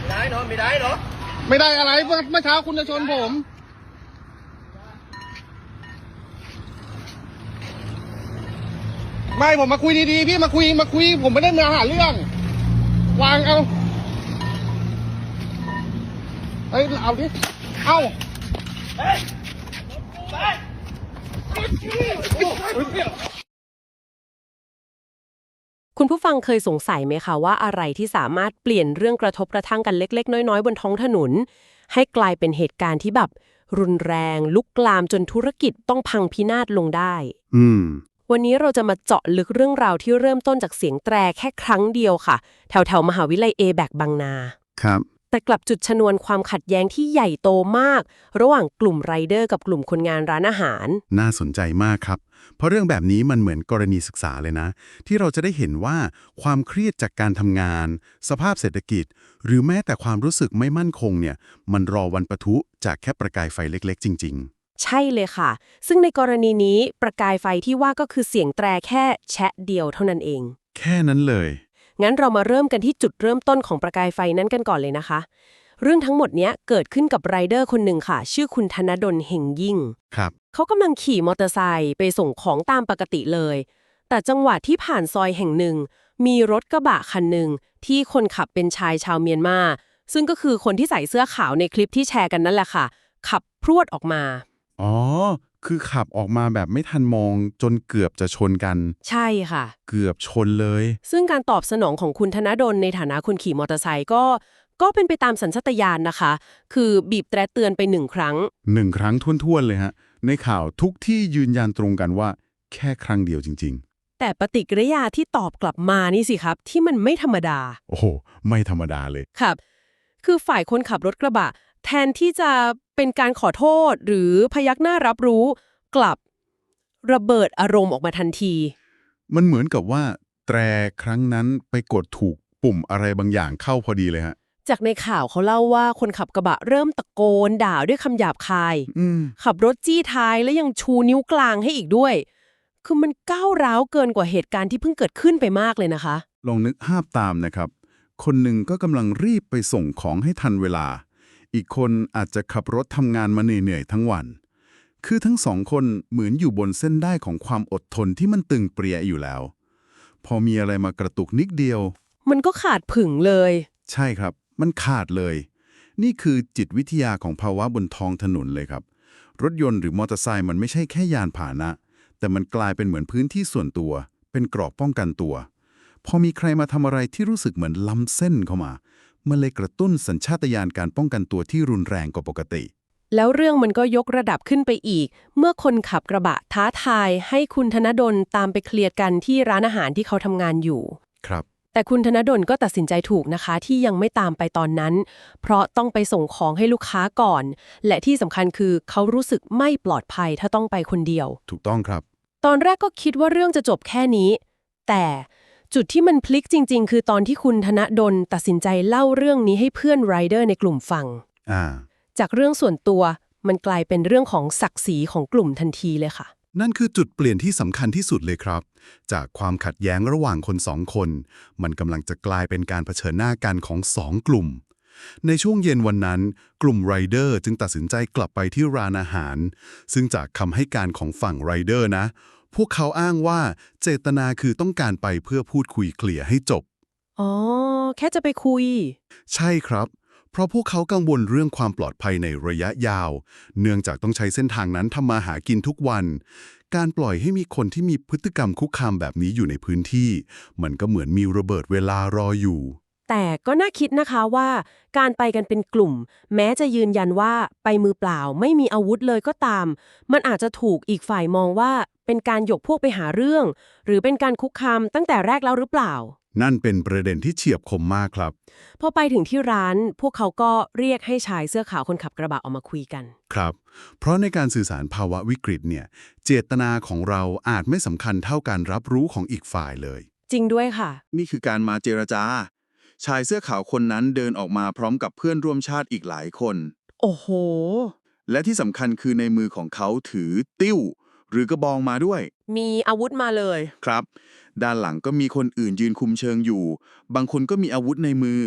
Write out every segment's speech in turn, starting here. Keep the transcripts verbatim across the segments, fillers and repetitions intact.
ได้เนาะไม่ได้เนาะไม่ได้อะไรเมื่อเช้าคุณจะชนผม ไม่ผมมาคุยดีๆพี่มาคุยมาคุยผมไม่ได้มาหาเรื่อง วางเอาเฮ้ยเอาดิเอาเฮ้ยไปคุณผู้ฟังเคยสงสัยไหมคะว่าอะไรที่สามารถเปลี่ยนเรื่องกระทบกระทั่งกันเล็กๆน้อยๆบนท้องถนนให้กลายเป็นเหตุการณ์ที่แบบรุนแรงลุกลามจนธุรกิจต้องพังพินาศลงได้อืมวันนี้เราจะมาเจาะลึกเรื่องราวที่เริ่มต้นจากเสียงแตรแค่ครั้งเดียวค่ะ แถวๆมหาวิทยาลัยเอแบกบางนาครับแต่กลับจุดชนวนความขัดแย้งที่ใหญ่โตมาก ระหว่างกลุ่มไรเดอร์กับกลุ่มคนงานร้านอาหารน่าสนใจมากครับ เพราะเรื่องแบบนี้มันเหมือนกรณีศึกษาเลยนะ ที่เราจะได้เห็นว่าความเครียดจากการทำงาน สภาพเศรษฐกิจ หรือแม้แต่ความรู้สึกไม่มั่นคงเนี่ยมันรอวันปะทุจากแค่ประกายไฟเล็กๆ จริงใช่เลยค่ะ ซึ่งในกรณีนี้ประกายไฟที่ว่าก็คือเสียงแตรแค่แชะเดียวเท่านั้นเองๆ แค่นั้นเลยงั้นเรามาเริ่มกันที่จุดเริ่มต้นของประกายไฟนั้นกันก่อนเลยนะคะ เรื่องทั้งหมดเนี้ยเกิดขึ้นกับไรเดอร์คนหนึ่งค่ะ ชื่อคุณธนดลเฮงยิ่งครับเขากำลังขี่มอเตอร์ไซค์ไปส่งของตามปกติเลย แต่จังหวะที่ผ่านซอยแห่งหนึ่ง มีรถกระบะคันหนึ่งที่คนขับเป็นชายชาวเมียนมา ซึ่งก็คือคนที่ใส่เสื้อขาวในคลิปที่แชร์กันนั่นแหละค่ะ ขับพรวดออกมาอ๋อ คือขับออกมาแบบไม่ทันมองจนเกือบจะชนกันใช่ค่ะเกือบชนเลยซึ่งการตอบสนองของคุณธนดลในฐานะคนขี่มอเตอร์ไซค์ก็ก็เป็นไปตามสัญชาตญาณนะคะ คือบีบแตรเตือนไปหนึ่งครั้งหนึ่งครั้งท้วนๆเลยฮะ ในข่าวทุกที่ยืนยันตรงกันว่าแค่ครั้งเดียวจริงๆแต่ปฏิกิริยาที่ตอบกลับมานี่สิครับ ที่มันไม่ธรรมดาโอ้โห ไม่ธรรมดาเลยครับ คือฝ่ายคนขับรถกระบะ แทนที่จะเป็นการขอโทษหรือพยักหน้ารับรู้ กลับระเบิดอารมณ์ออกมาทันทีมันเหมือนกับว่าแตรครั้งนั้นไปกดถูกปุ่มอะไรบางอย่างเข้าพอดีเลยฮะจากในข่าวเขาเล่าว่าคนขับกระบะเริ่มตะโกนด่าด้วยคำหยาบคายอืมขับรถจี้ท้ายและยังชูนิ้วกลางให้อีกด้วย คือมันก้าวร้าวเกินกว่าเหตุการณ์ที่เพิ่งเกิดขึ้นไปมากเลยนะคะลองนึกภาพตามนะครับ คนหนึ่งก็กำลังรีบไปส่งของให้ทันเวลา อีกคนอาจจะขับรถทำงานมาเหนื่อยๆทั้งวัน คือทั้งสองคนเหมือนอยู่บนเส้นได้ของความอดทนที่มันตึงเปรียอยู่แล้ว พอมีอะไรมากระตุกนิดเดียวมันก็ขาดผึ่งเลยใช่ครับ มันขาดเลย นี่คือจิตวิทยาของภาวะบนท้องถนนเลยครับ รถยนต์หรือมอเตอร์ไซค์มันไม่ใช่แค่ยานพาหนะ แต่มันกลายเป็นเหมือนพื้นที่ส่วนตัว เป็นเกราะป้องกันตัว พอมีใครมาทำอะไรที่รู้สึกเหมือนล้ำเส้นเข้ามา มันเลยกระตุ้นสัญชาตญาณการป้องกันตัวที่รุนแรงกว่าปกติแล้วเรื่องมันก็ยกระดับขึ้นไปอีก เมื่อคนขับกระบะท้าทายให้คุณธนดลตามไปเคลียร์กันที่ร้านอาหารที่เขาทำงานอยู่ครับแต่คุณธนดลก็ตัดสินใจถูกนะคะที่ยังไม่ตามไปตอนนั้น เพราะต้องไปส่งของให้ลูกค้าก่อน และที่สำคัญคือเขารู้สึกไม่ปลอดภัยถ้าต้องไปคนเดียวถูกต้องครับตอนแรกก็คิดว่าเรื่องจะจบแค่นี้ แต่จุดที่มันพลิกจริงๆ คือตอนที่คุณธนดลตัดสินใจเล่าเรื่องนี้ให้เพื่อนไรเดอร์ในกลุ่มฟังอ่าจากเรื่องส่วนตัวมันกลายเป็นเรื่องของศักดิ์ศรีของกลุ่มทันทีเลยค่ะนั่นคือจุดเปลี่ยนที่สำคัญที่สุดเลยครับ จากความขัดแย้งระหว่างคนสองคน มันกำลังจะกลายเป็นการเผชิญหน้ากันของสองกลุ่ม ในช่วงเย็นวันนั้น กลุ่มไรเดอร์จึงตัดสินใจกลับไปที่ร้านอาหาร ซึ่งจากคำให้การของฝั่งไรเดอร์นะ พวกเขาอ้างว่าเจตนาคือต้องการไปเพื่อพูดคุยเคลียร์ให้จบอ๋อ แค่จะไปคุยใช่ครับ เพราะพวกเขากังวลเรื่องความปลอดภัยในระยะยาว เนื่องจากต้องใช้เส้นทางนั้นทำมาหากินทุกวัน การปล่อยให้มีคนที่มีพฤติกรรมคุกคามแบบนี้อยู่ในพื้นที่ มันก็เหมือนมีระเบิดเวลารออยู่แต่ก็น่าคิดนะคะว่าการไปกันเป็นกลุ่ม แม้จะยืนยันว่าไปมือเปล่าไม่มีอาวุธเลยก็ตาม มันอาจจะถูกอีกฝ่ายมองว่าเป็นการยกพวกไปหาเรื่อง หรือเป็นการคุกคามตั้งแต่แรกแล้วหรือเปล่านั่นเป็นประเด็นที่เฉียบคมมากครับพอไปถึงที่ร้านพวกเขาก็เรียกให้ชายเสื้อขาวคนขับกระบะออกมาคุยกันครับ เพราะในการสื่อสารภาวะวิกฤตเนี่ย เจตนาของเราอาจไม่สำคัญเท่าการรับรู้ของอีกฝ่ายเลยจริงด้วยค่ะนี่คือการมาเจรจา ชายเสื้อขาวคนนั้นเดินออกมาพร้อมกับเพื่อนร่วมชาติอีกหลายคนโอ้โหและที่สำคัญคือในมือของเขาถือติ้ว หรือกระบองมาด้วยมีอาวุธมาเลยครับ ด้านหลังก็มีคนอื่นยืนคุมเชิงอยู่ บางคนก็มีอาวุธในมือ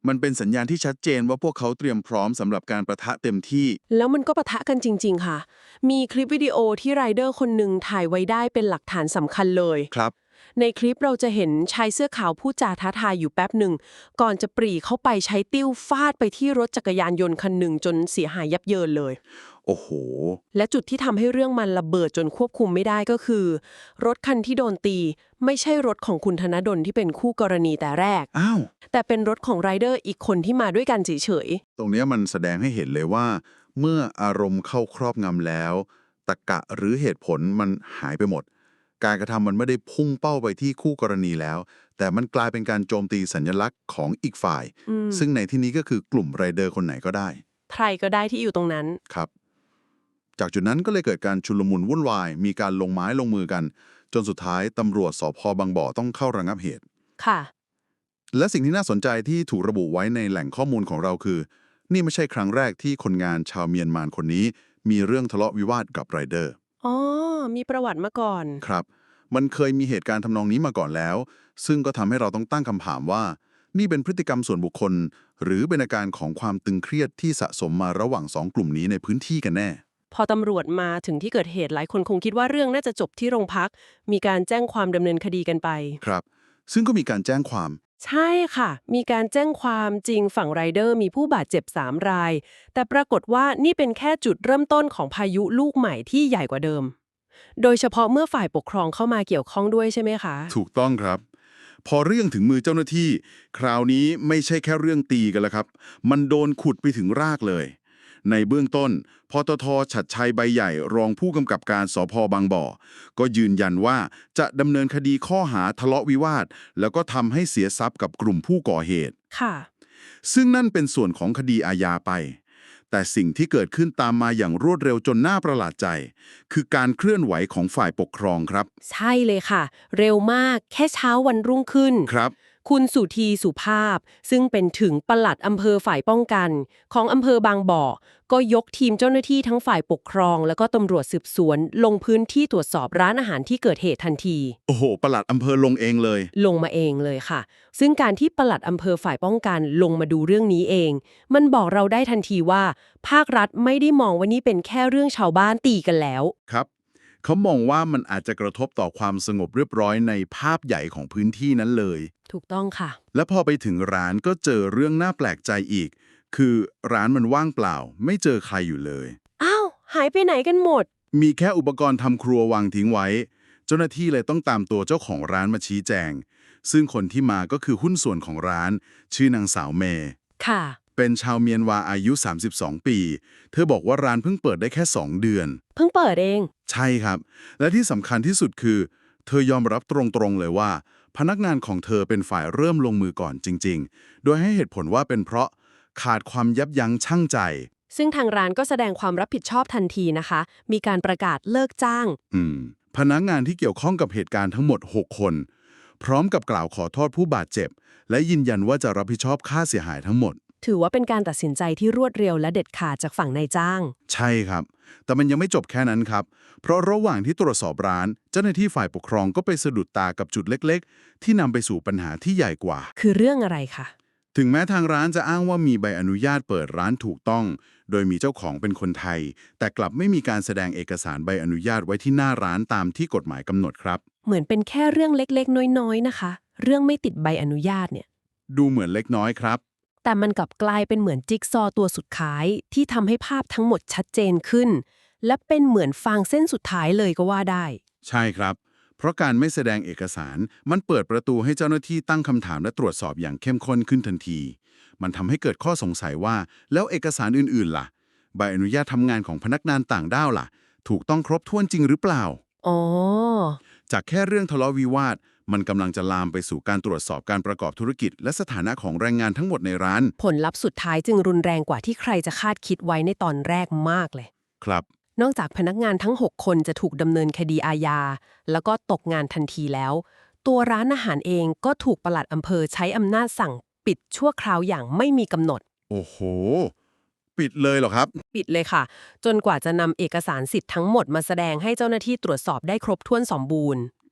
มันเป็นสัญญาณที่ชัดเจนว่าพวกเขาเตรียมพร้อมสำหรับการประทะเต็มที่แล้วมันก็ปะทะกันจริงๆค่ะ มีคลิปวิดีโอที่ไรเดอร์คนหนึ่งถ่ายไว้ได้เป็นหลักฐานสำคัญเลยครับในคลิปเราจะเห็นชายเสื้อขาวพูดจาท้าทายอยู่แป๊บหนึ่งก่อนจะปรีเข้าไปใช้ติ้วฟาดไปที่รถจักรยานยนต์คันหนึ่งจนเสียหายยับเยินเลยโอ้โหและจุดที่ทำให้เรื่องมันระเบิดจนควบคุมไม่ได้ก็คือ รถคันที่โดนตี ไม่ใช่รถของคุณธนดลที่เป็นคู่กรณีแต่แรกอ้าวแต่เป็นรถของไรเดอร์อีกคนที่มาด้วยกันเฉยตรงเนี้ยมันแสดงให้เห็นเลยว่า เมื่ออารมณ์เข้าครอบงำแล้วตรรกะหรือเหตุผลมันหายไปหมด การกระทำมันไม่ได้พุ่งเป้าไปที่คู่กรณีแล้ว แต่มันกลายเป็นการโจมตีสัญลักษณ์ของอีกฝ่ายอืมซึ่งในที่นี้ก็คือกลุ่มไรเดอร์คนไหนก็ได้ๆใครก็ได้ที่อยู่ตรงนั้นครับ จากจุดนั้นก็เลยเกิดการชุลมุนวุ่นวาย มีการลงไม้ลงมือกัน จนสุดท้ายตำรวจสพบางบ่อต้องเข้าระงับเหตุค่ะและสิ่งที่น่าสนใจที่ถูกระบุไว้ในแหล่งข้อมูลของเราคือ นี่ไม่ใช่ครั้งแรกที่คนงานชาวเมียนมาคนนี้ มีเรื่องทะเลาะวิวาทกับไรเดอร์อ๋อ มีประวัติมาก่อนครับ มันเคยมีเหตุการณ์ทำนองนี้มาก่อนแล้ว ซึ่งก็ทำให้เราต้องตั้งคำถามว่า นี่เป็นพฤติกรรมส่วนบุคคล หรือเป็นอาการของความตึงเครียดที่สะสมมาระหว่างสองกลุ่มนี้ในพื้นที่กันแน่พอตำรวจมาถึงที่เกิดเหตุหลายคนคงคิดว่าเรื่องน่าจะจบที่โรงพัก มีการแจ้งความดำเนินคดีกันไปครับ ซึ่งก็มีการแจ้งความใช่ค่ะ มีการแจ้งความจริงฝั่งไรเดอร์มีผู้บาดเจ็บสามราย แต่ปรากฏว่านี่เป็นแค่จุดเริ่มต้นของพายุลูกใหม่ที่ใหญ่กว่าเดิม โดยเฉพาะเมื่อฝ่ายปกครองเข้ามาเกี่ยวข้องด้วยใช่ไหมคะถูกต้องครับ พอเรื่องถึงมือเจ้าหน้าที่ คราวนี้ไม่ใช่แค่เรื่องตีกันแล้วครับ มันโดนขุดไปถึงรากเลย ในเบื้องต้นปตท.ฉัตรชัยใบใหญ่รองผู้กำกับการสพบางบ่อ ก็ยืนยันว่าจะดำเนินคดีข้อหาทะเลาะวิวาท แล้วก็ทำให้เสียทรัพย์กับกลุ่มผู้ก่อเหตุค่ะซึ่งนั่นเป็นส่วนของคดีอาญาไป แต่สิ่งที่เกิดขึ้นตามมาอย่างรวดเร็วจนน่าประหลาดใจ คือการเคลื่อนไหวของฝ่ายปกครองครับใช่เลยค่ะ เร็วมากแค่เช้าวันรุ่งขึ้นครับคุณสุธีสุภาพ ซึ่งเป็นถึงปลัดอำเภอฝ่ายป้องกัน ของอำเภอบางบ่อ ก็ยกทีมเจ้าหน้าที่ทั้งฝ่ายปกครอง แล้วก็ตำรวจสืบสวน ลงพื้นที่ตรวจสอบร้านอาหารที่เกิดเหตุทันทีโอ้โหปลัดอำเภอลงเองเลยลงมาเองเลยค่ะ ซึ่งการที่ปลัดอำเภอฝ่ายป้องกันลงมาดูเรื่องนี้เอง มันบอกเราได้ทันทีว่า ภาครัฐไม่ได้มองว่านี่เป็นแค่เรื่องชาวบ้านตีกันแล้วครับ เขามองว่ามันอาจจะกระทบต่อความสงบเรียบร้อยในภาพใหญ่ของพื้นที่นั้นเลยถูกต้องค่ะและพอไปถึงร้านก็เจอเรื่องน่าแปลกใจอีก คือร้านมันว่างเปล่า ไม่เจอใครอยู่เลยอ้าว หายไปไหนกันหมดมีแค่อุปกรณ์ทำครัววางทิ้งไว้ เจ้าหน้าที่เลยต้องตามตัวเจ้าของร้านมาชี้แจง ซึ่งคนที่มาก็คือหุ้นส่วนของร้าน ชื่อนางสาวเมย์ค่ะเป็นชาวเมียนวาอายุ สามสิบสอง ปี เธอบอกว่าร้านเพิ่งเปิดได้แค่ สอง เดือนเพิ่งเปิดเองใช่ครับ และที่สำคัญที่สุดคือ เธอยอมรับตรงๆเลยว่า พนักงานของเธอเป็นฝ่ายเริ่มลงมือก่อนจริงๆ โดยให้เหตุผลว่าเป็นเพราะขาดความยับยั้งชั่งใจซึ่งทางร้านก็แสดงความรับผิดชอบทันทีนะคะ มีการประกาศเลิกจ้างอืม พนักงานที่เกี่ยวข้องกับเหตุการณ์ทั้งหมด หก คน พร้อมกับกล่าวขอโทษผู้บาดเจ็บ และยืนยันว่าจะรับผิดชอบค่าเสียหายทั้งหมดถือว่าเป็นการตัดสินใจที่รวดเร็วและเด็ดขาดจากฝั่งนายจ้างใช่ครับ แต่มันยังไม่จบแค่นั้นครับ เพราะระหว่างที่ตรวจสอบร้าน เจ้าหน้าที่ฝ่ายปกครองก็ไปสะดุดตากับจุดเล็กๆ ที่นำไปสู่ปัญหาที่ใหญ่กว่าคือเรื่องอะไรคะถึงแม้ทางร้านจะอ้างว่ามีใบอนุญาตเปิดร้านถูกต้อง โดยมีเจ้าของเป็นคนไทย แต่กลับไม่มีการแสดงเอกสารใบอนุญาตไว้ที่หน้าร้านตามที่กฎหมายกำหนดครับเหมือนเป็นแค่เรื่องเล็กๆ น้อยๆ นะคะ เรื่องไม่ติดใบอนุญาตเนี่ยดูเหมือนเล็กน้อยครับแต่มันกลับกลายเป็นเหมือนจิ๊กซอว์ตัวสุดท้ายที่ทำให้ภาพทั้งหมดชัดเจนขึ้น และเป็นเหมือนฟางเส้นสุดท้ายเลยก็ว่าได้ใช่ครับ เพราะการไม่แสดงเอกสาร มันเปิดประตูให้เจ้าหน้าที่ตั้งคำถามและตรวจสอบอย่างเข้มข้นขึ้นทันที มันทำให้เกิดข้อสงสัยว่าแล้วเอกสารอื่นๆล่ะ ใบอนุญาตทำงานของพนักงานต่างด้าวล่ะ ถูกต้องครบถ้วนจริงหรือเปล่าอ๋อจากแค่เรื่องทะเลาะวิวาท มันกำลังจะลามไปสู่การตรวจสอบการประกอบธุรกิจ และสถานะของแรงงานทั้งหมดในร้านผลลัพธ์สุดท้ายจึงรุนแรงกว่าที่ใครจะคาดคิดไว้ในตอนแรกมากเลยครับนอกจากพนักงานทั้ง หก คนจะถูกดำเนินคดีอาญา แล้วก็ตกงานทันทีแล้ว ตัวร้านอาหารเองก็ถูกปลัดอำเภอใช้อำนาจสั่งปิดชั่วคราวอย่างไม่มีกำหนดโอ้โห ปิดเลยเหรอครับปิดเลยค่ะ จนกว่าจะนำเอกสารสิทธิ์ทั้งหมดมาแสดงให้เจ้าหน้าที่ตรวจสอบได้ครบถ้วนสมบูรณ์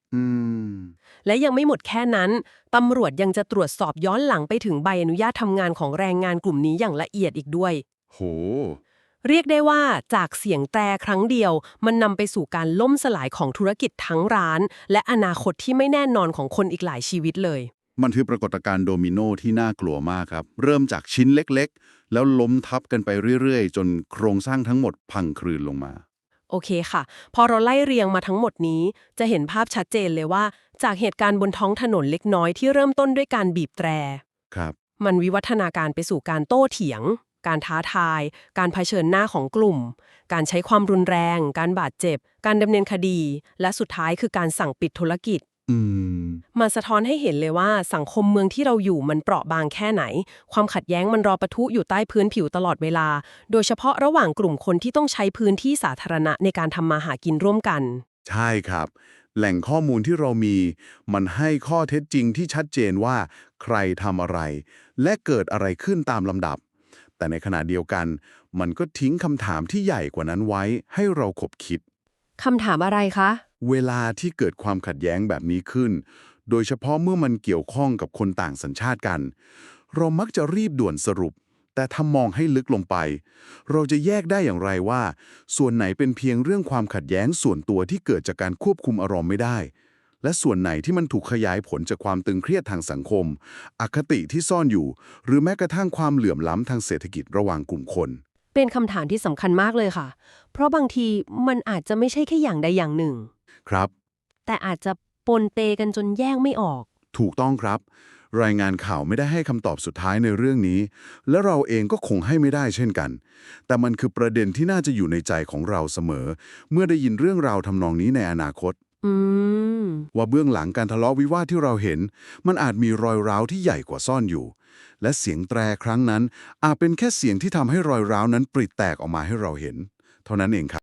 อืมและยังไม่หมดแค่นั้น ตำรวจยังจะตรวจสอบย้อนหลังไปถึงใบอนุญาตทำงานของแรงงานกลุ่มนี้อย่างละเอียดอีกด้วยโหเรียกได้ว่าจากเสียงแตรครั้งเดียว มันนำไปสู่การล่มสลายของธุรกิจทั้งร้าน และอนาคตที่ไม่แน่นอนของคนอีกหลายชีวิตเลยมันคือปรากฏการณ์โดมิโนที่น่ากลัวมากครับ เริ่มจากชิ้นเล็กๆ แล้วล้มทับกันไปเรื่อยๆ จนโครงสร้างทั้งหมดพังคลืนลงมาโอเคค่ะ พอเราไล่เรียงมาทั้งหมดนี้ จะเห็นภาพชัดเจนเลยว่า จากเหตุการณ์บนท้องถนนเล็กน้อยที่เริ่มต้นด้วยการบีบแตรครับมันวิวัฒนาการไปสู่การโต้เถียง การท้าทาย การเผชิญหน้าของกลุ่ม การใช้ความรุนแรง การบาดเจ็บ การดำเนินคดี และสุดท้ายคือการสั่งปิดธุรกิจอืมมันสะท้อนให้เห็นเลยว่าสังคมเมืองที่เราอยู่มันเปราะบางแค่ไหน ความขัดแย้งมันรอปะทุอยู่ใต้พื้นผิวตลอดเวลา โดยเฉพาะระหว่างกลุ่มคนที่ต้องใช้พื้นที่สาธารณะในการทำมาหากินร่วมกันใช่ครับ แหล่งข้อมูลที่เรามี มันให้ข้อเท็จจริงที่ชัดเจนว่า ใครทำอะไร และเกิดอะไรขึ้นตามลำดับ แต่ในขณะเดียวกัน มันก็ทิ้งคำถามที่ใหญ่กว่านั้นไว้ให้เราขบคิดคำถามอะไรคะเวลาที่เกิดความขัดแย้งแบบนี้ขึ้น โดยเฉพาะเมื่อมันเกี่ยวข้องกับคนต่างสัญชาติกัน เรามักจะรีบด่วนสรุป แต่ถ้ามองให้ลึกลงไป เราจะแยกได้อย่างไรว่า ส่วนไหนเป็นเพียงเรื่องความขัดแย้งส่วนตัวที่เกิดจากการควบคุมอารมณ์ไม่ได้ และส่วนไหนที่มันถูกขยายผลจากความตึงเครียดทางสังคม อคติที่ซ่อนอยู่ หรือแม้กระทั่งความเหลื่อมล้ำทางเศรษฐกิจระหว่างกลุ่มคนเป็นคำถามที่สำคัญมากเลยค่ะ เพราะบางทีมันอาจจะไม่ใช่แค่อย่างใดอย่างหนึ่งครับแต่อาจจะปนเปกันจนแยกไม่ออกถูกต้องครับ รายงานข่าวไม่ได้ให้คำตอบสุดท้ายในเรื่องนี้ และเราเองก็คงให้ไม่ได้เช่นกัน แต่มันคือประเด็นที่น่าจะอยู่ในใจของเราเสมอ เมื่อได้ยินเรื่องราวทำนองนี้ในอนาคตอืมว่าเบื้องหลังการทะเลาะวิวาทที่เราเห็น มันอาจมีรอยร้าวที่ใหญ่กว่าซ่อนอยู่ และเสียงแตรครั้งนั้นอาจเป็นแค่เสียงที่ทำให้รอยร้าวนั้นปริแตกออกมาให้เราเห็น เท่านั้นเองครับ